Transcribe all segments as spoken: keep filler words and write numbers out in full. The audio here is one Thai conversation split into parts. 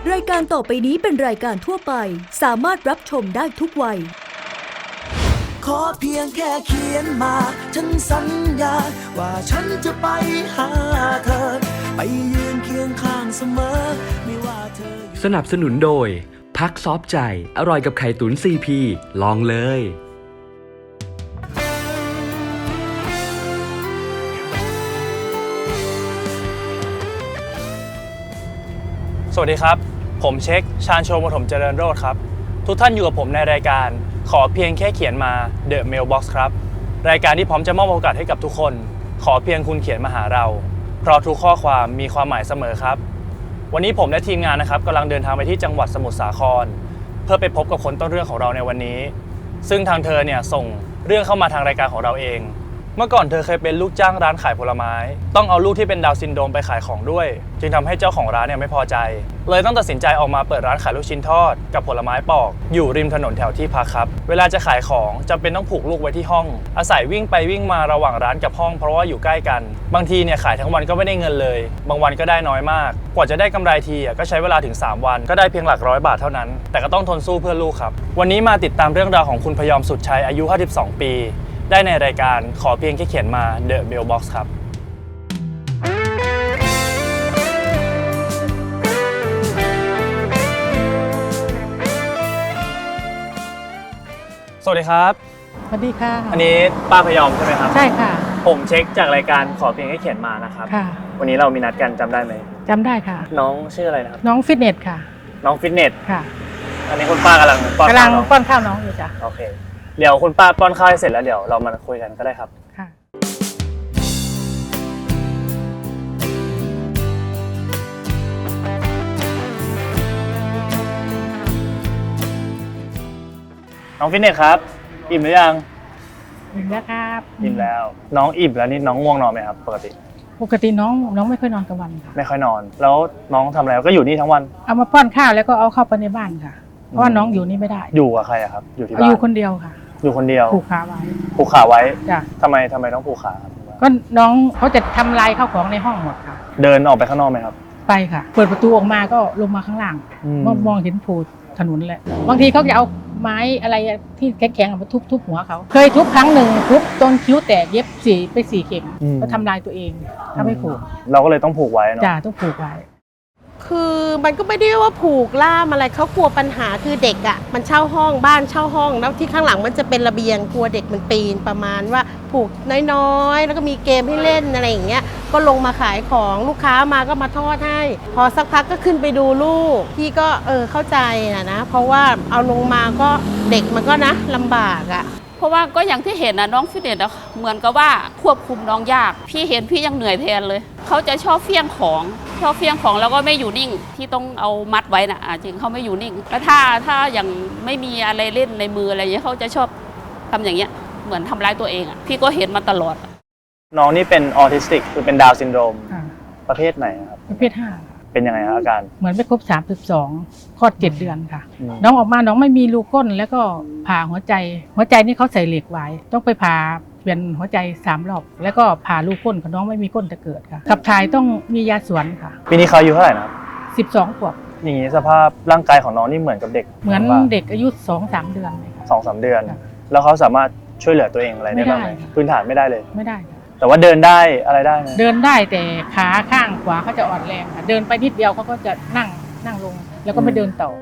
รายการต่อไปนี้เป็นรายการทั่วไปสามารถรับชมได้ทุกวัยขอเพียงแค่เขียนมาฉันสัญญาว่าฉันจะไปหาเธอไปยืนเคียงข้างเสมอไม่ว่าเธอสนับสนุนโดยพักซอฟใจอร่อยกับไข่ตุ๋น ซี พี ลองเลยสวัสดีครับผมเช็คชาญโชว์ปฐมเจริญโรจน์ครับทุกท่านอยู่กับผมในรายการขอเพียงแค่เขียนมา The Mailbox ครับรายการที่พร้อมจะมอบโอกาสให้กับทุกคนขอเพียงคุณเขียนมาหาเราเพราะทุกข้อความมีความหมายเสมอครับวันนี้ผมและทีมงานนะครับกำลังเดินทางไปที่จังหวัดสมุทรสาครเพื่อไปพบกับคนต้นเรื่องของเราในวันนี้ซึ่งทางเธอเนี่ยส่งเรื่องเข้ามาทางรายการของเราเองเมื่อก่อนเธอเคยเป็นลูกจ้างร้านขายผลไม้ต้องเอาลูกที่เป็นดาวน์ซินโดรมไปขายของด้วยจึงทำให้เจ้าของร้านเนี่ยไม่พอใจเลยต้องตัดสินใจออกมาเปิดร้านขายลูกชิ้นทอดกับผลไม้ปอกอยู่ริมถนนแถวที่พักครับเวลาจะขายของจำเป็นต้องผูกลูกไว้ที่ห้องอาศัยวิ่งไปวิ่งมาระหว่างร้านกับห้องเพราะว่าอยู่ใกล้กันบางทีเนี่ยขายทั้งวันก็ไม่ได้เงินเลยบางวันก็ได้น้อยมากกว่าจะได้กำไรทีก็ใช้เวลาถึงสามวันก็ได้เพียงหลักร้อยบาทเท่านั้นแต่ก็ต้องทนสู้เพื่อลูกครับวันนี้มาติดตามเรื่องราวของคุณพยอมสุดชัยอายุห้าสิบสองปีได้ในรายการขอเพียงแค่เขียนมา The Mailbox ครับสวัสดีครับสวัสดีค่ะอันนี้ป้าพยอมใช่ไหมครับใช่ค่ะผมเช็คจากรายการขอเพียงแค่เขียนมานะครับค่ะวันนี้เรามีนัดกันจำได้ไหมจำได้ค่ะน้องชื่ออะไรนะครับน้องฟิตเนสค่ะน้องฟิตเนสค่ะอันนี้คุณป้ากำลังป้อนกำลังป้อนข้าวน้องอยู่จ้ะโอเคเดี๋ยวคุณป้าป้อนข้าวให้เสร็จแล้วเดี๋ยวเรามาคุยกันก็ได้ครับค่ะน้องฟิตเนสครับอิ่มหรือยังอิ่มแล้วครับอิ่มแล้วน้องอิ่มแล้วนี่น้องง่วงนอนไหมครับปกติปกติน้องน้องไม่ค่อยนอนกลางวันค่ะไม่ค่อยนอนแล้วน้องทำอะไรก็อยู่นี่ทั้งวันเอามาป้อนข้าวแล้วก็เอาเข้าไปในบ้านค่ะเพราะว่าน้องอยู่นี่ไม่ได้อยู่กับใครอะครับอยู่ที่บ้านอยู่คนเดียวค่ะอยู่คนเดียวผูกขาไว้ผูกขาไว้จ้ะทำไมทำไมต้องผูกขาครับก็น้องเขาจะทำลายข้าวของในห้องหมดค่ะเดินออกไปข้างนอกไหมครับไปค่ะเปิดประตูออกมาก็ลงมาข้างล่างมองมองเห็นผูถนนแหละบางทีเขาจะเอาไม้อะไรที่แข็งๆมาทุบทุบหัวเขาเคยทุบครั้งหนึ่งทุบจนคิ้วแตกเย็บสี่ไปสี่เข็มก็ทำลายตัวเองถ้าไม่ผูกเราก็เลยต้องผูกไว้เนาะจ้าต้องผูกไว้คือมันก็ไม่ได้ว่าผูกล่ามอะไรเขากลัวปัญหาคือเด็กอ่ะมันเช่าห้องบ้านเช่าห้องแล้วที่ข้างหลังมันจะเป็นระเบียงกลัวเด็กมันปีนประมาณว่าผูกน้อยๆแล้วก็มีเกมให้เล่นอะไรอย่างเงี้ยก็ลงมาขายของลูกค้ามาก็มาทอดให้พอสักพักก็ขึ้นไปดูลูกพี่ก็เออเข้าใจนะนะเพราะว่าเอาลงมาก็เด็กมันก็นะลำบากอ่ะเพราะว่าก็อย่างที่เห็นนะน้องฟิตเนสเหมือนกับว่าควบคุมน้องยากพี่เห็นพี่ยังเหนื่อยแทนเลยเขาจะชอบเฟี้ยงของชอบเฟี้ยงของแล้วก็ไม่อยู่นิ่งที่ต้องเอามัดไว้นะจริงเขาไม่อยู่นิ่งแล้วถ้าถ้าอย่างไม่มีอะไรเล่นในมืออะไรอย่างเงี้ยเขาจะชอบทำอย่างเงี้ยเหมือนทำร้ายตัวเองอ่ะพี่ก็เห็นมาตลอดน้องนี่เป็นออทิสติกคือเป็นดาวน์ซินโดรมประเภทไหนครับประเภทห้าเป็นยังไงครับอาการเหมือนไม่ครบสามสิบสองคลอดเจ็ดเดือนค่ะน้องออกมาน้องไม่มีรูก้นแล้วก็ผ่าหัวใจหัวใจนี่เขาใส่เหล็กไว้ต้องไปผ่าเปลี่ยนหัวใจสามรอบแล้วก็ผ่ารูก้นของน้องไม่มีก้นจะเกิดค่ะขับถ่ายต้องมียาสวนค่ะปีนี้เขาอายุเท่าไหร่นะสิบสองขวบอย่างนี้สภาพร่างกายของน้องนี่เหมือนกับเด็กเหมือนเด็กอายุสองสามเดือนเลยสองสามเดือนแล้วเขาสามารถช่วยเหลือตัวเองอะไรได้บ้างไหมพื้นฐานไม่ได้เลยไม่ได้แต่ว่าเดินได้อะไรได้ไหมเดินได้แต่ขาข้างขวาเขาจะอ่อนแรงค่ะเดินไปนิดเดียวเขาก็จะนั่งนั่งลงแล้วก็ไม่เดินต่อ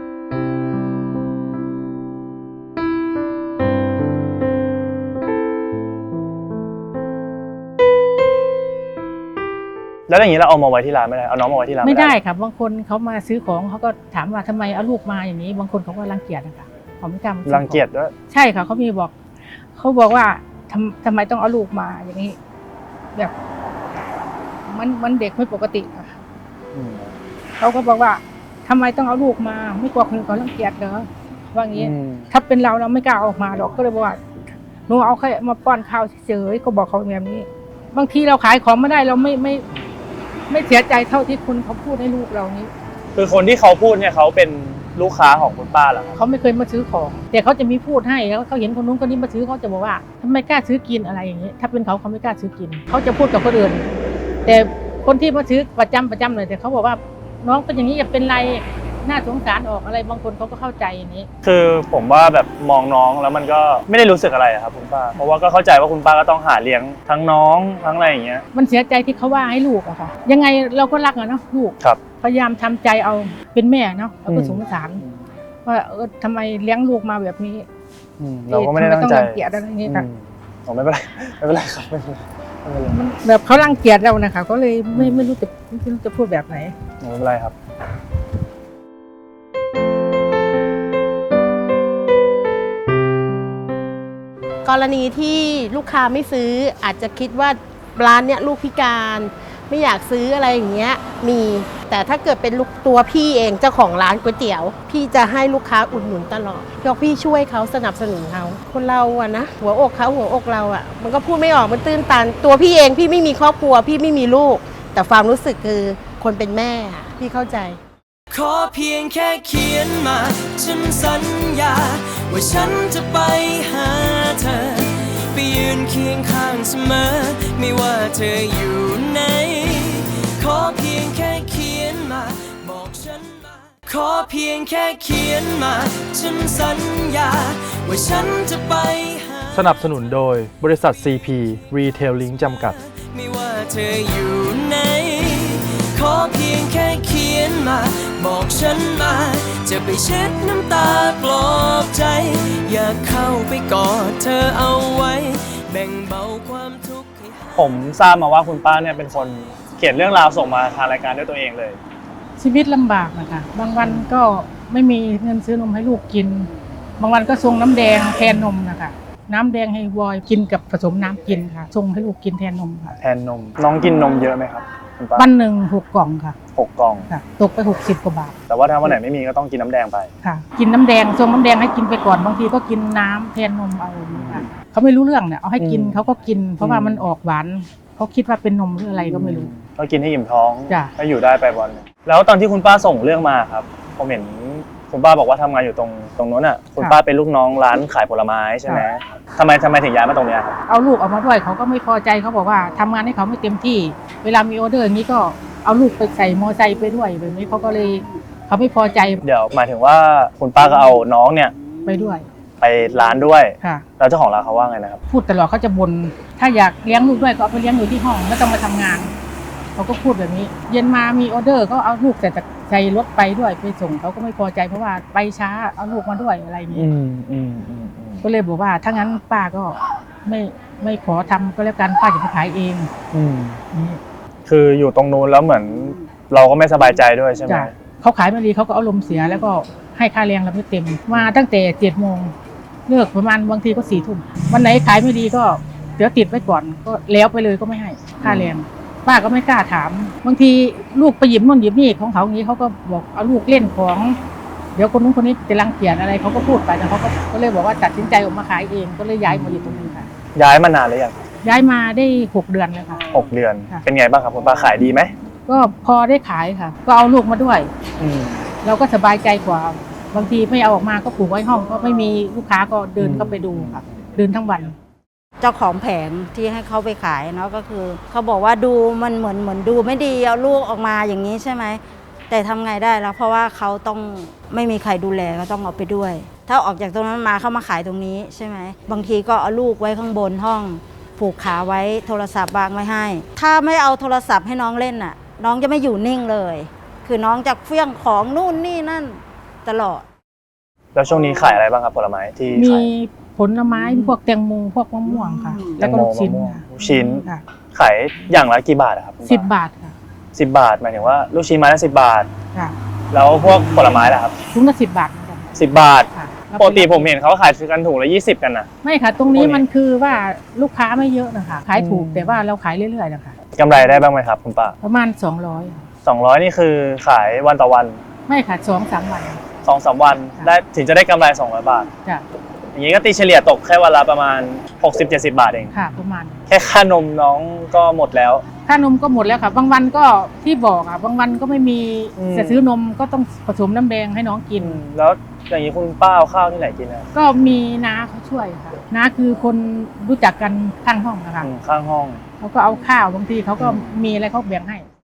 แล้วอย่างนี้เราเอามาไว้ที่ร้านไม่ได้เอาน้องมาไว้ที่ร้านไม่ได้ครับบางคนเขามาซื้อของเขาก็ถามว่าทำไมเอาลูกมาอย่างนี้บางคนเขาก็รังเกียจนะคะเขาไม่กล้ารังเกียจด้วยใช่ค่ะเขามีบอกเขาบอกว่าทำทำไมต้องเอาลูกมาอย่างนี้แบบมันมันเด็กไม่ปกติค่ะเขาก็บอกว่าทำไมต้องเอาลูกมาไม่กลัวคนเขารังเกียจเหรอว่างี้ถ้าเป็นเราเราไม่กล้าออกมาหรอกก็เลยบอกว่าหนูเอาแค่มาป้อนข้าวเฉยๆก็บอกเขาแบบนี้บางทีเราขายของไม่ได้เราไม่ไม่ไม่เสียใจเท่าที่คุณเขาพูดให้ลูกเรานี้คือคนที่เขาพูดเนี่ยเขาเป็นลูกค้าของคุณป้าเหรอเขาไม่เคยมาซื้อของแต่เขาจะมีพูดให้แล้วเขาเห็นคนนู้นคนนี้มาซื้อเขาจะบอกว่าทำไมกล้าซื้อกินอะไรอย่างนี้ถ้าเป็นเขาเขาไม่กล้าซื้อกินเขาจะพูดกับคนอื่นแต่คนที่มาซื้อประจำประจำเลยแต่เขาบอกว่าน้องเป็นอย่างนี้อย่าเป็นไรน่าสงสารออกอะไรบางคนเขาก็เข้าใจอย่างนี้คือผมว่าแบบมองน้องแล้วมันก็ไม่ได้รู้สึกอะไรอะครับคุณป้าเพราะว่าก็เข้าใจว่าคุณป้าก็ต้องหาเลี้ยงทั้งน้องทั้งอะไรอย่างเงี้ยมันเสียใจที่เขาว่าให้ลูกอะค่ะยังไงเราก็รักอะเนาะลูกครับพยายามทำใจเอาเป็นแม่เนาะเราก็อืมสงสารว่าเออทำไมเลี้ยงลูกมาแบบนี้อืมเราก็ไม่ได้ตั้งใจทำต้องรังเกียจอะไรอย่างนี้ค่ะอืมอ๋อไม่เป็นไรไม่เป็นไรครับไม่เป็นไรไม่เป็นไรมันแบบเขารังเกียจเรานะคะก็เลยไม่ไม่รู้จะไม่รู้จะพูดแบบไหนไม่เป็นไรครับกรณีที่ลูกค้าไม่ซื้ออาจจะคิดว่าร้านเนี้ยลูกพิการไม่อยากซื้ออะไรอย่างเงี้ยมีแต่ถ้าเกิดเป็นลูกตัวพี่เองเจ้าของร้านก๋วยเตี๋ยว พี่จะให้ลูกค้าอุดหนุนตลอดเพราะพี่ช่วยเขาสนับสนุนเขาคนเราอะนะหัวอกเขาหัวอกเราอะมันก็พูดไม่ออกมันตื้นตันตัวพี่เองพี่ไม่มีครอบครัวพี่ไม่มีลูก แต่ความรู้สึกคือคนเป็นแม่อะพี่เข้าใจขอเพียงแค่เขียนมาฉันสัญญาว่าฉันจะไปหาเธอไปยืนเคียงข้างเสมอไม่ว่าเธออยู่ไหนขอเพียงแค่เขียนมาบอกฉันมาขอเพียงแค่เขียนมาฉันสัญญาว่าฉันจะไปหาสนับสนุนโดยบริษัท ซี พี Retailing จำกัดไม่ว่าเธออยู่ไหนขอเพียงแค่เขียนมาบอกฉันมาจะไปเช็ดน้ำตาปลอบใจอยากเข้าไปกอดเธอเอาไว้แบ่งเบาความทุกข์ให้หายผมทราบมาว่าคุณป้าเนี่ยเป็นคนเขียนเรื่องราวส่งมาทางรายการด้วยตัวเองเลยชีวิตลำบากนะคะบางวันก็ไม่มีเงินซื้อนมให้ลูกกิน บางวันก็ส่งน้ำแดงแทนนมนะคะน้ำแดงให้วอยกินกับผสมน้ำกินค่ะส่งให้ลูกกินแทนนมค่ะแทนนมน้องกินนมเยอะไหมครับคุณป้าวันหนึ่งหกกล่องค่ะหกกล่องค่ะตกไปหกสิบกว่าบาทแต่ว่าถ้าวันไหนไม่มีก็ต้องกินน้ำแดงไปค่ะ กินน้ำแดงส่งน้ำแดงให้กินไปก่อนบางทีก็กินน้ำแทนนมเอาค่ะเขาไม่รู้เรื่องเนี่ยเอาให้กินอืมเขาก็กิน เพราะว่าอืมมันออกหวานเขาคิดว่าเป็นนมหรืออะไรก็ไม่รู้ก็กินให้อิ่มท้องจ้ะก็อยู่ได้ไปวันหนึ่งแล้วตอนที่คุณป้าส่งเรื่องมาครับผมเห็นคุณป้าบอกว่าทำงานอยู่ตรงตรงนู้นอ่ะคุณป้าเป็นลูกน้องร้านขายผลไม้ใช่ไหมทำไมทำไมถึงย้ายมาตรงเนี้ยครับเอาลูกออกมาด้วยเขาก็ไม่พอใจเขาบอกว่าทำงานให้เขาไม่เต็มที่ เวลามีออเดอร์อย่างนี้ก็เอาลูกไปใส่มอไซค์ไปด้วยแบบนี้เขาก็เลยเขาไม่พอใจเดี๋ยวหมายถึงว่าคุณป้าก็เอาน้องเนี่ยไปด้วยไปร้านด้วยค่ะแล้วเจ้าของร้านเขาว่าไงนะครับพูดตลอดเขาจะบ่นถ้าอยากเลี้ยงลูกด้วยก็เอาไปเลี้ยงอยู่ที่ห้องไม่ต้องมาทำงานเขาก็พูดแบบนี้ เย็นมามีออเดอร์ก็เอาลูกใส่ใส่รถไปด้วยไปส่งเขาก็ไม่พอใจเพราะว่าไปช้าเอาลูกมาด้วยอะไรอย่างนี้อืมอืมอืมอืมก็เลยบอกว่าถ้างั้นป้าก็ไม่ไม่ขอทำก็แล้วกันป้าจะไปขายเองอืมนี่คืออยู่ตรงนู้นแล้วเหมือนเราก็ไม่สบายใจด้วยใช่ไหมจ้ะเขาขายไม่ดีเขาก็เอาลมณ์เสียแล้วก็ให้ค่าแรงเราไม่เต็มมาตั้งแต่เจ็ดโมงเลิกประมาณบางทีก็สี่ทุ่มวันไหนขายไม่ดีก็เดี๋ยวติดไว้ก่อนก็แล้วไปเลยก็ไม่ให้ค่าแรงป้าก็ไม่กล้าถามบางทีลูกไปหยิบนู่นหยิบนี่ของเขาอย่างนี้เขาก็บอกเอาลูกเล่นของ เดี๋ยวคนนู้นคนนี้จะรังเกียจอะไรเขาก็พูดไปแต่เขาก็ก็เลยบอกว่าตัดสินใจออกมาขายเองก็เลยย้ายมาอยู่ตรงนี้ค่ะย้ายมานานหรือยังย้ายมาได้หกเดือนเลยค่ะหกเดือนค่ะเป็นไงบ้างครับคุณป้าขายดีไหมก็พอได้ขายค่ะ ก็เอาลูกมาด้วยอืมเราก็สบายใจกว่าบางทีไม่เอาออกมาก็ปลูกไว้ห้องก็ไม่มีลูกค้าก็เดินเข้าไปดูค่ะเดินทั้งวันเจ้าของแผงที่ให้เขาไปขายเนาะก็คือเขาบอกว่าดูมันเหมือนเหมือนดูไม่ดีเอาลูกออกมาอย่างนี้ใช่ไหมแต่ทำไงได้แล้วเพราะว่าเขาต้องไม่มีใครดูแลก็ต้องเอาไปด้วย ถ้าออกจากตรงนั้นมาเข้ามาขายตรงนี้ใช่ไหมบางทีก็เอาลูกไว้ข้างบนห้องผูกขาไว้โทรศัพท์วางไว้ให้ ถ้าไม่เอาโทรศัพท์ให้น้องเล่นน่ะน้องจะไม่อยู่นิ่งเลย คือน้องจะเฟี้ยงของนู่นนี่นั่นตลอดแล้วช่วงนี้ขายอะไรบ้างครับผลไม้ที่มีขายผลไม้พวกแตงโมพวกมะม่วงค่ะแตแล้วงก็โมลูกชิ้นมะม่วงค่ะลูกชิ้นค่ะขายอย่างละกี่บาทอะครับคุณป้สิบบาทค่ะสิบบาทหมายถึงว่าลูกชิ้นไม้ละสิบบาทค่ะแล้วพวกผลไม้ล่ะครับถุงละสิบบาทเหมือนกันสิบบาทค่ะปกติผมเห็นเขาขายกันถุงละยี่สิบกันนะไม่ค่ะ ตรงนี้โอ้ยมันคือว่าลูกค้าไม่เยอะนะคะขายถูกอืมแต่ว่าเราขายเรื่อยๆนะคะกำไรได้บ้างไหมครับคุณป้าประมาณสองร้อยสองร้อยนี่คือขายวันต่อวันไม่ค่ะสองสามวันสองสามวันค่ะได้ถึงจะได้กำไรสองร้อยบาทจ้ะอย่างนี้ก็ตีเฉลี่ยตกแค่วันละประมาณหกสิบเจ็ดสิบบาทเองค่ะประมาณแค่ค่านมน้องก็หมดแล้วค่านมก็หมดแล้วค่ะ บางวันก็ที่บอกอ่ะบางวันก็ไม่มีอืมจะซื้อนมก็ต้องผสมน้ำแดงให้น้องกินแล้วอย่างนี้คุณป้าเอาข้าวที่ไหนกินนะก็มีน้าเขาช่วยค่ะน้าคือคนรู้จักกันข้างห้องนะคะอืมข้างห้องเขาก็เอาข้าวบางทีเขาก็มีอะไรเขาแบ่งให้ที่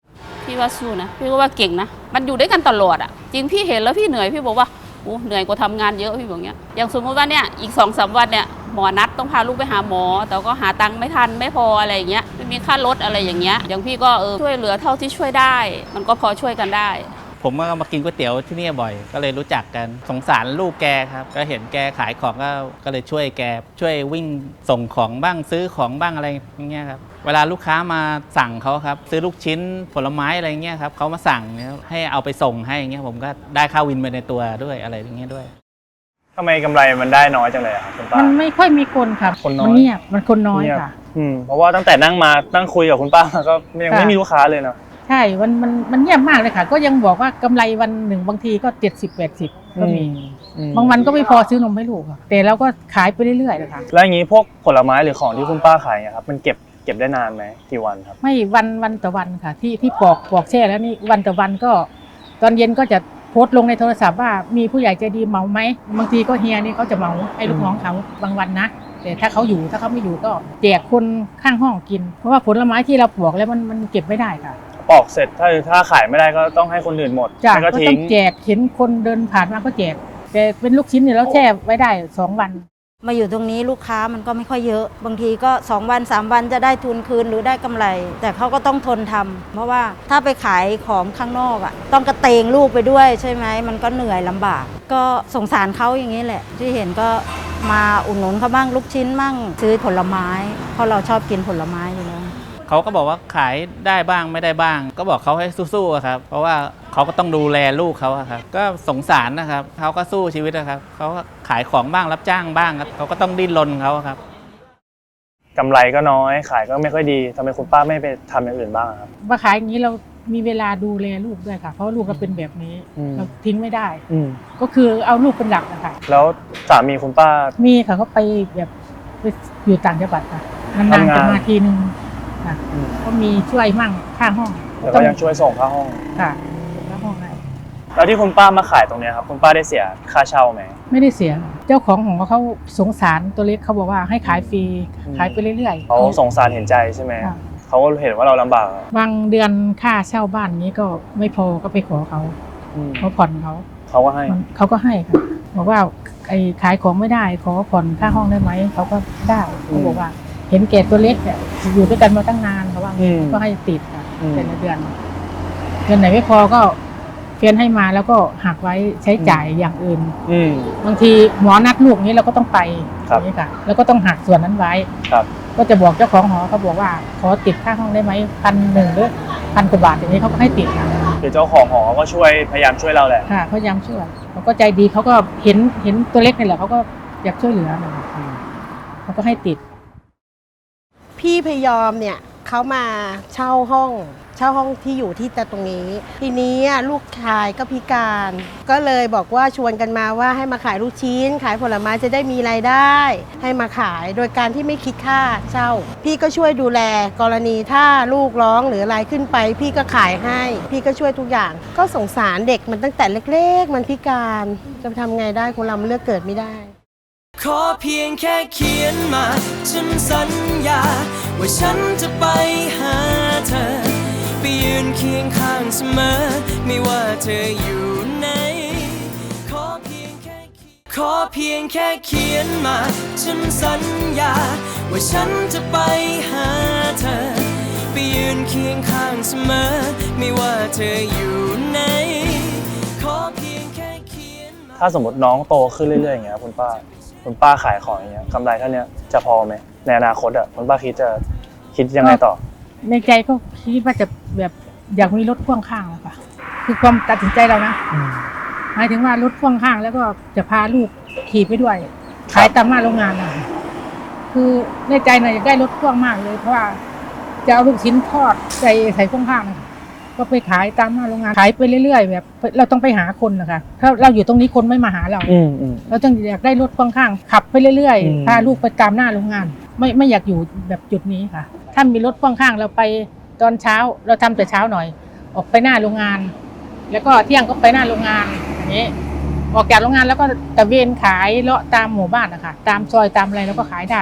พี่ว่าสู้นะพี่ก็ว่าเก่งนะมันอยู่ด้วยกันตลอดอ่ะจริงพี่เห็นแล้วพี่เหนื่อยพี่บอกว่าโอ้เหนื่อยกว่าทำงานเยอะพี่บอกเงี้ยอย่างสมมติว่าเนี่ยอีกสองสามวันเนี่ยหมอนัดต้องพาลูกไปหาหมอแต่ก็หาตังค์ไม่ทันไม่พออะไรอย่างเงี้ยไม่มีค่ารถอะไรอย่างเงี้ยอย่างพี่ก็เออช่วยเหลือเท่าที่ช่วยได้มันก็พอช่วยกันได้ผมก็มากินก๋วยเตี๋ยวที่นี่บ่อยก็เลยรู้จักกันสงสารลูกแกครับก็เห็นแกขายของก็ก็เลยช่วยแกช่วยวิ่งส่งของบ้างซื้อของบ้างอะไรอย่างเงี้ยครับเวลาลูกค้ามาสั่งเขาครับซื้อลูกชิ้นผลไม้อะไรเงี้ยครับเขามาสั่งเนี่ยให้เอาไปส่งให้อย่างเงี้ยผมก็ได้ค่าวินไปในตัวด้วยอะไรอย่างเงี้ยด้วยทำไมกำไรมันได้น้อยจังเลยครับคุณป้ามันไม่ค่อยมีคนค่ะคนน้อยมันเงียบมันคนน้อยค่ะอืมเพราะว่าตั้งแต่นั่งมานั่งคุยกับคุณป้าก็ยังไม่มีลูกค้าเลยเนาะใช่มันมันมันเงียบมากเลยค่ะก็ยังบอกว่ากำไรวันหนึ่งบางทีก็เจ็ดสิบแปดสิบก็มีบางวันก็ไม่พอซื้อนมให้ลูกแต่เราก็ขายไปเรื่อยๆเลยค่ะแล้วอย่างนี้พวกผลไม้หรือของที่คุณป้าขายเนี่ยครับมันเก็บเก็บได้นานไหมกี่วันครับไม่วันวันต่อวันค่ะที่ที่ปอกปอกแช่แล้วนี่วันต่อวันก็ตอนเย็นก็จะโพสต์ลงในโทรศัพท์ว่ามีผู้ใหญ่ใจดีเหมาไหมบางทีก็เฮียนี่เขาจะเหมาให้ลูกน้องเขาบางวันนะแต่ถ้าเขาอยู่ถ้าเขาไม่อยู่ก็แจกคนข้างห้องกินเพราะว่าผลไม้ที่เราปอกแล้วมันมันเก็บไม่ได้ค่ะปอกเสร็จถ้าถ้าขายไม่ได้ก็ต้องให้คนอื่นหมดจ้ะก็ต้องแจกเห็นคนเดินผ่านมาก็แจกแต่เป็นลูกชิ้นเนี่ยเราแช่ไว้ได้สองวันมาอยู่ตรงนี้ลูกค้ามันก็ไม่ค่อยเยอะบางทีก็สองวันสามวันจะได้ทุนคืนหรือได้กำไรแต่เขาก็ต้องทนทำเพราะว่าถ้าไปขายของข้างนอกอ่ะต้องกระเตงลูกไปด้วยใช่ไหมมันก็เหนื่อยลำบากก็สงสารเขาอย่างนี้แหละที่เห็นก็มาอุดหนุนเขาบ้างลูกชิ้นบ้างซื้อผลไม้เพราะเราชอบกินผลไม้อยู่แล้วเขาก็บอกว่าขายได้บ้างไม่ได้บ้างก็บอกเขาให้สู้ๆครับเพราะว่าเขาก็ต้องดูแลลูกเขาครับก็สงสารนะครับเขาก็สู้ชีวิตนะครับเขาก็ขายของบ้างรับจ้างบ้างครับเขาก็ต้องดิ้นรนเขาครับกำไรก็น้อยขายก็ไม่ค่อยดีทำไมคุณป้าไม่ไปทำอย่างอื่นบ้างครับมาขายอย่างนี้เรามีเวลาดูแลลูกด้วยค่ะเพราะลูกเราเป็นแบบนี้เราทิ้งไม่ได้ก็คือเอาลูกเป็นหลักนะคะแล้วสามีคุณป้ามีค่ะเขาไปแบบไปอยู่ต่างจังหวัดค่ะนานๆจะมาทีนึงก็มีช่วยมั่งค่าห้องแต่ก็ยังช่วยส่งค่าห้องค่ะค่าห้องได้แล้วที่คุณป้ามาขายตรงนี้ครับคุณป้าได้เสียค่าเช่าไหมไม่ได้เสียเจ้าของของเขาสงสารตัวเล็กเขาบอกว่าให้ขายฟรีขายไปเรื่อยๆเขาสงสารเห็นใจใช่ไหมเขาก็เห็นว่าเราลำบากบางเดือนค่าเช่าบ้านนี้ก็ไม่พอก็ไปขอเขาเขาผ่อนเขาเขาก็ให้เขาก็ให้ค่ะบอกว่าไอ้ขายของไม่ได้ขอผ่อนค่าห้องได้ไหมเขาก็ได้เขาบอกว่าเห็นแก่ตัวเล็กเนี่ยอยู่ด้วยกันมาตั้งนานเขาว่าก็ให้ติดค่ะแต่ละเดือนเดือนไหนไม่พอก็เพียนให้มาแล้วก็หักไว้ใช้จ่ายอย่างอื่นบางทีหมอนัดลูกนี้เราก็ต้องไปนี่ค่ะแล้วก็ต้องหักส่วนนั้นไว้ก็จะบอกเจ้าของหอเขาบอกว่าขอติดค่าห้องได้ไหมพันหนึ่งหรือพันกว่าบาทอย่างนี้เขาก็ให้ติดค่ะคือเจ้าของหอก็ช่วยพยายามช่วยเราแหละค่ะพยายามช่วยเขาก็ใจดีเขาก็เห็นเห็นตัวเล็กนี่แหละเขาก็อยากช่วยเหลือเขาก็ให้ติดพี่พยอมเนี่ยเขามาเช่าห้องเช่าห้องที่อยู่ที่ตรงนี้ทีนี้ลูกชายก็พิการก็เลยบอกว่าชวนกันมาว่าให้มาขายลูกชิ้นขายผลไม้จะได้มีรายได้ให้มาขายโดยการที่ไม่คิดค่าเช่าพี่ก็ช่วยดูแลกรณีถ้าลูกร้องหรืออะไรขึ้นไปพี่ก็ขายให้พี่ก็ช่วยทุกอย่างก็สงสารเด็กมันตั้งแต่เล็กๆมันพิการจะทำไงได้คนเราเลือกเกิดไม่ได้ขอเพียงแค่เขียนมาฉันสัญญาว่าฉันจะไปหาเธอไปยืนเคียงข้างเสมอไม่ว่าเธออยู่ไหนขอเพียงแค่ขอเพียงแค่เขียนมาฉันสัญญาว่าฉันจะไปหาเธอไปยืนเคียงข้างเสมอไม่ว่าเธออยู่ไหนขอเพียงแค่เขียนมาถ้าสมมติน้องโตขึ้นเรื่อยๆอย่างเงี้ยคุณป้าคุณป้าขายของอย่างเงี้ยกำไรเท่านี้จะพอไหมในอนาคตอ่ะคุณป้าคิดจะคิดยังไงต่อในใจก็คิดว่าจะแบบอยากมีรถพ่วงข้างแล้วค่ะคือความตัดสินใจเรานะหมายถึงว่ารถพ่วงข้างแล้วก็จะพาลูกขี่ไปด้วยขายตามหน้าโรงงานอ่ะคือในใจน่ะอยากได้รถพ่วงมากเลยเพราะว่าจะเอาลูกชิ้นทอดใส่ใส่พ่วงข้างนะคะก็ไปขายตามหน้าโรงงานขายไปเรื่อยๆแบบเราต้องไปหาคนนะคะถ้าเราอยู่ตรงนี้คนไม่มาหาเราเราต้องอยากได้รถพ่วงข้างขับไปเรื่อยๆพาลูกไปตามหน้าโรงงานไม่ไม่อยากอยู่แบบจุดนี้ค่ะถ้ามีรถพ่วงข้างเราไปตอนเช้าเราทำแต่เช้าหน่อยออกไปหน้าโรงงานแล้วก็เที่ยงก็ไปหน้าโรงงานอย่างนี้ออกจากโรงงานแล้วก็ตะเวนขายเลาะตามหมู่บ้านนะคะตามซอยตามอะไรแล้วก็ขายได้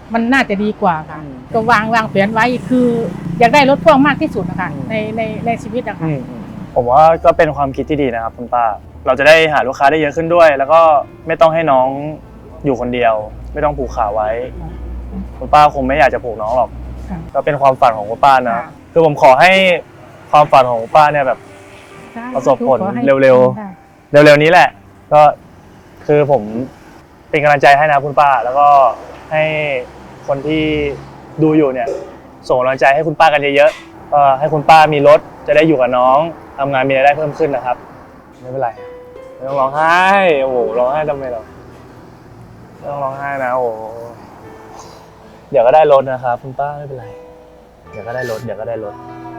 มันน่าจะดีกว่าค่ะก็วางวางแผนไว้คืออยากได้รถพ่วงมากที่สุดนะคะในในในชีวิตนะคะผมว่าก็เป็นความคิดที่ดีนะครับคุณป้าเราจะได้หาลูกค้าได้เยอะขึ้นด้วย แล้วก็ไม่ต้องให้น้องอยู่คนเดียว ไม่ต้องผูกขาไว้คุณป้าคงไม่อยากจะผูกน้องหรอกก็เป็นความฝันของคุณป้านะคือผมขอให้ความฝันของคุณป้าเนี่ยแบบประสบผลเร็วๆเร็วๆนี้แหละก็คือผมเป็นกำลังใจให้นะคุณป้าแล้วก็ให้คนที่ดูอยู่เนี่ยส่งกำลังใจให้คุณป้ากันเยอะๆก็ให้คุณป้ามีรถจะได้อยู่กับน้องทำงานมีรายได้เพิ่มขึ้นนะครับไม่เป็นไรไม่ต้องร้องไห้โอ้โหร้องไห้ทำไมเราไม่ต้องร้องไห้นะโอ้เดี๋ยวก็ได้รถนะครับคุณป้าไม่เป็นไรเดี๋ยวก็ได้รถเดี๋ยวก็ได้รถ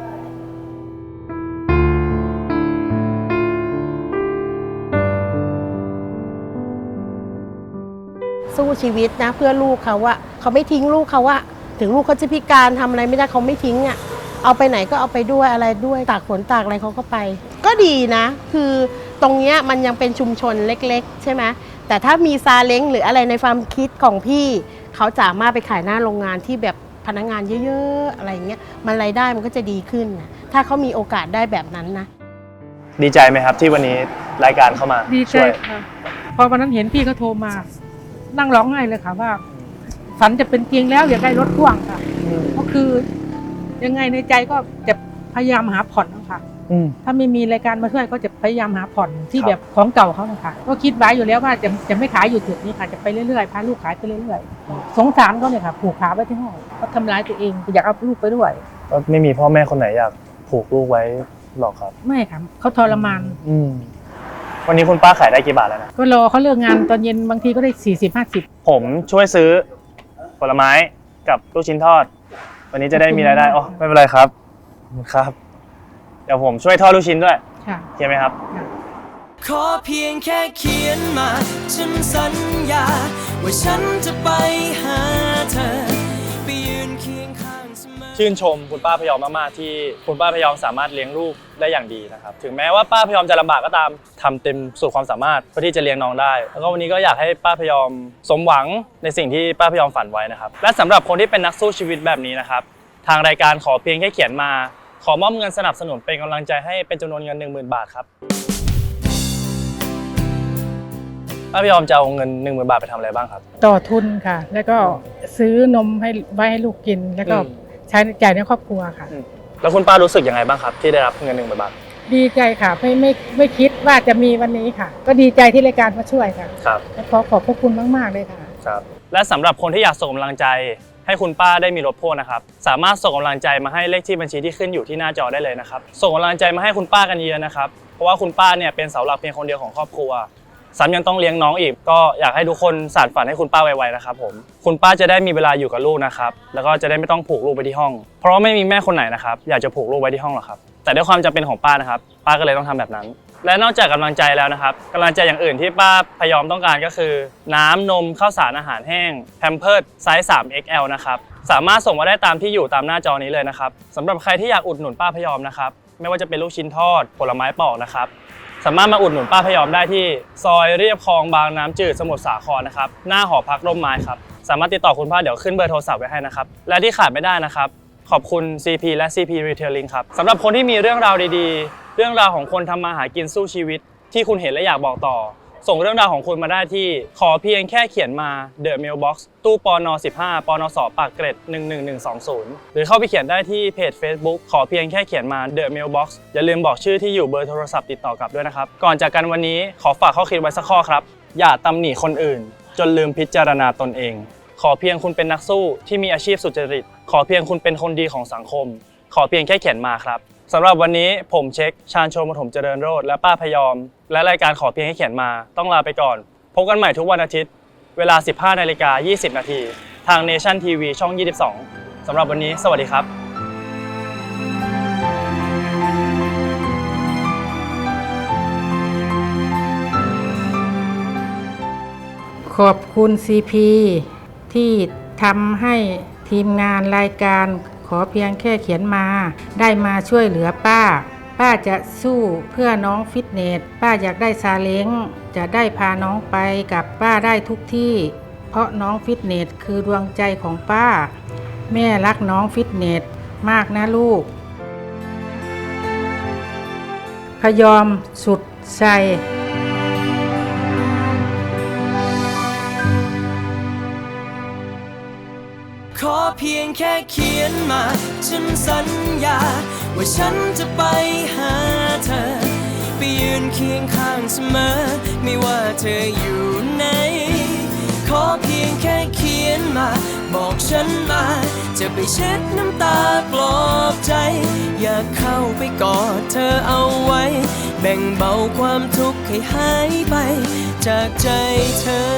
สู้ชีวิตนะเพื่อลูกเขาอะเขาไม่ทิ้งลูกเขาอะถึงลูกเขาจะพิการทำอะไรไม่ได้เขาไม่ทิ้งอะเอาไปไหนก็เอาไปด้วยอะไรด้วยตากฝนตากอะไรเขาก็ไปก็ดีนะคือตรงเนี้ยมันยังเป็นชุมชนเล็กๆใช่ไหมแต่ถ้ามีซาเล้งหรืออะไรในความคิดของพี่เขาสามารถไปขายหน้าโรงงานที่แบบพนักงานเยอะๆอะไรเงี้ยมันรายได้มันก็จะดีขึ้นนะถ้าเขามีโอกาสได้แบบนั้นนะดีใจไหมครับที่วันนี้รายการเข้ามาดีใจค่ะพอวันนั้นเห็นพี่เขาโทรมานั่งร้องไห้เลยค่ะว่าฝันจะเป็นจริงแล้วอยากได้รถพ่วงค่ะก็คือยังไงในใจก็จะพยายามหาผ่อนนะคะถ้าไม่มีรายการมาช่วยก็จะพยายามหาผ่อนที่แบบของเก่าเขานะคะก็คิดไว้อยู่แล้วว่าจะจะไม่ขายอยู่จุดนี้ค่ะจะไปเรื่อยๆพาลูกขายไปเรื่อยๆสงสารเขาเนี่ยค่ะผูกขาไว้ที่ห้องเขาทำร้ายตัวเองอยากเอาลูกไปด้วยก็ไม่มีพ่อแม่คนไหนอยากผูกลูกไว้หรอกครับไม่ค่ะเขาทรมานวันนี้คุณป้าขายได้กี่บาทแล้วนะก็รอเขาเลิกงานตอนเย็นบางทีก็ได้สี่สิบห้าสิบผมช่วยซื้อผลไม้กับลูกชิ้นทอดวันนี้จะได้มีรายได้อ๋อไม่เป็นไรครับครับเดี๋ยวผมช่วยทอดลูกชิ้นด้วยค่ะโอเคไหมครับขอเพียงแค่เขียนมาฉันสัญญาว่าฉันจะไปหาเธอไปยืนเคียงข้างเสมอชื่นชมคุณป้าพยอมมากๆที่คุณป้าพยอมสามารถเลี้ยงลูกได้อย่างดีนะครับถึงแม้ว่าป้าพยอมจะลำบากก็ตามทำเต็มสุดความสามารถเพื่อที่จะเลี้ยงน้องได้แล้วก็วันนี้ก็อยากให้ป้าพยอมสมหวังในสิ่งที่ป้าพยอมฝันไว้นะครับและสำหรับคนที่เป็นนักสู้ชีวิตแบบนี้นะครับทางรายการขอเพียงแค่เขียนมาขอมอบเงินสนับสนุนเป็นกำลังใจให้เป็นจำนวนเงิน หนึ่งหมื่น บาทครับป้าพยอมจะเอาเงิน หนึ่งหมื่น บาทไปทำอะไรบ้างครับต่อทุนค่ะแล้วก็ซื้อนมให้ไว้ให้ลูกกินแล้วก็ใช้จ่ายในครอบครัวค่ะแล้วคุณป้ารู้สึกยังไงบ้างครับที่ได้รับเงิน หนึ่งหมื่น บาทดีใจค่ะไม่ไม่ไม่คิดว่าจะมีวันนี้ค่ะก็ดีใจที่รายการมาช่วยค่ะครับขอขอบพระคุณมากๆเลยค่ะครับและสำหรับคนที่อยากส่งกำลังใจให้คุณป้าได้มีรถพ่วงนะครับสามารถส่งกำลังใจมาให้เลขที่บัญชีที่ขึ้นอยู่ที่หน้าจอได้เลยนะครับส่งกำลังใจมาให้คุณป้ากันเยอะนะครับเพราะว่าคุณป้าเนี่ยเป็นเสาหลักเพียงคนเดียวของครอบครัวซ้ำยังต้องเลี้ยงน้องอีกก็อยากให้ทุกคนสานฝันให้คุณป้าไวๆนะครับผมคุณป้าจะได้มีเวลาอยู่กับลูกนะครับแล้วก็จะได้ไม่ต้องผูกลูกไปที่ห้องเพราะไม่มีแม่คนไหนนะครับอยากจะผูกลูกไว้ที่ห้องหรอกครับแต่ด้วยความจำเป็นของป้านะครับป้าก็เลยต้องทำแบบนั้นและนอกจากกำลังใจแล้วนะครับกำลังใจอย่างอื่นที่ป้าพยอมต้องการก็คือน้ำนมข้าวสารอาหารแห้งแพมเพิร์สไซส์ สาม เอ็กซ์ แอล นะครับสามารถส่งมาได้ตามที่อยู่ตามหน้าจอนี้เลยนะครับสำหรับใครที่อยากอุดหนุนป้าพยอมนะครับไม่ว่าจะเป็นลูกชิ้นทอดผลไม้ปอกนะครับสามารถมาอุดหนุนป้าพยอมได้ที่ซอยเรียบคลองบางน้ำจืดสมุทรสาครนะครับหน้าหอพักร่มไม้ครับสามารถติดต่อคุณป้าเดี๋ยวขึ้นเบอร์โทรศัพท์ไว้ให้นะครับและที่ขาดไม่ได้นะครับขอบคุณ ซี พี และ ซี พี Retailing ครับสำหรับคนที่มีเรื่องราวดีๆเรื่องราวของคนทำมาหากินสู้ชีวิตที่คุณเห็นและอยากบอกต่อส่งเรื่องราวของคุณมาได้ที่ขอเพียงแค่เขียนมา The Mailbox ตู้ปนสิบห้าปนสปากเกร็ดหนึ่งหนึ่งหนึ่งสองศูนย์หรือเข้าไปเขียนได้ที่เพจ Facebook ขอเพียงแค่เขียนมา The Mailbox อย่าลืมบอกชื่อที่อยู่เบอร์โทรศัพท์ติดต่อกลับด้วยนะครับก่อนจากกันวันนี้ขอฝากข้อคิดไว้สักข้อครับอย่าตำหนิคนอื่นจนลืมพิจารณาตนเองขอเพียงคุณเป็นนักสู้ที่มีอาชีพสุจริตขอเพียงคุณเป็นคนดีของสังคมขอเพียงแค่เขียนมาครับสำหรับวันนี้ผมเช็คชาญโชมปฐมเจริญโรจน์และป้าพยอมและรายการขอเพียงให้เขียนมาต้องลาไปก่อนพบกันใหม่ทุกวันอาทิตย์เวลา สิบห้านาฬิกายี่สิบนาทีทาง Nation ที วี ช่องยี่สิบสองสำหรับวันนี้สวัสดีครับขอบคุณ ซี พี ที่ทำให้ทีมงานรายการขอเพียงแค่เขียนมาได้มาช่วยเหลือป้าป้าจะสู้เพื่อน้องฟิตเนสป้าอยากได้ซาเล้งจะได้พาน้องไปกับป้าได้ทุกที่เพราะน้องฟิตเนสคือดวงใจของป้า แม่รักน้องฟิตเนสมากนะลูก พยอมสุดใจขอเพียงแค่เขียนมาฉันสัญญาว่าฉันจะไปหาเธอไปยืนเคียงข้างเสมอไม่ว่าเธออยู่ไหนขอเพียงแค่เขียนมาบอกฉันมาจะไปเช็ดน้ำตาปลอบใจอยากเข้าไปกอดเธอเอาไว้แบ่งเบาความทุกข์ให้หายไปจากใจเธอ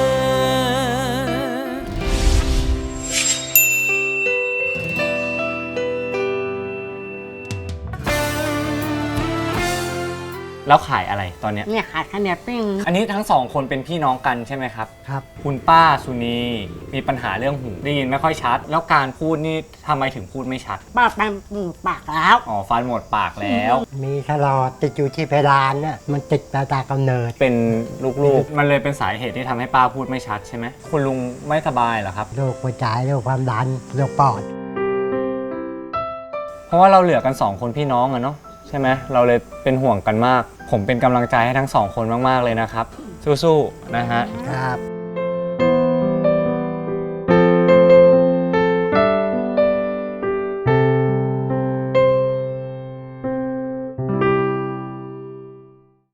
แล้วขายอะไรตอนเนี้ยเนี่ยขายข้าวเหนียวปิ้งอันนี้ทั้งสองคนเป็นพี่น้องกันใช่ไหมครับครับคุณป้าสุนีมีปัญหาเรื่องหูได้ยินไม่ค่อยชัด แล้วการพูดนี่ทำไมถึงพูดไม่ชัดป้าไปหมูปากแล้วอ๋อฟันหมดปากแล้วมีตลอดติดอยู่ที่เพดานน่ะมันติดตาตากำเนิดเป็นลูกๆ มันเลยเป็นสาเหตุที่ทำให้ป้าพูดไม่ชัดใช่ไหมคุณลุงไม่สบายเหรอครับโรคหัวใจโรคความดันโรคปอดเพราะว่าเราเหลือกันสองคนพี่น้องอะเนาะใช่ไหมเราเลยเป็นห่วงกันมาก ผมเป็นกำลังใจให้ทั้งสองคนมากๆเลยนะครับสู้ๆนะฮะครับ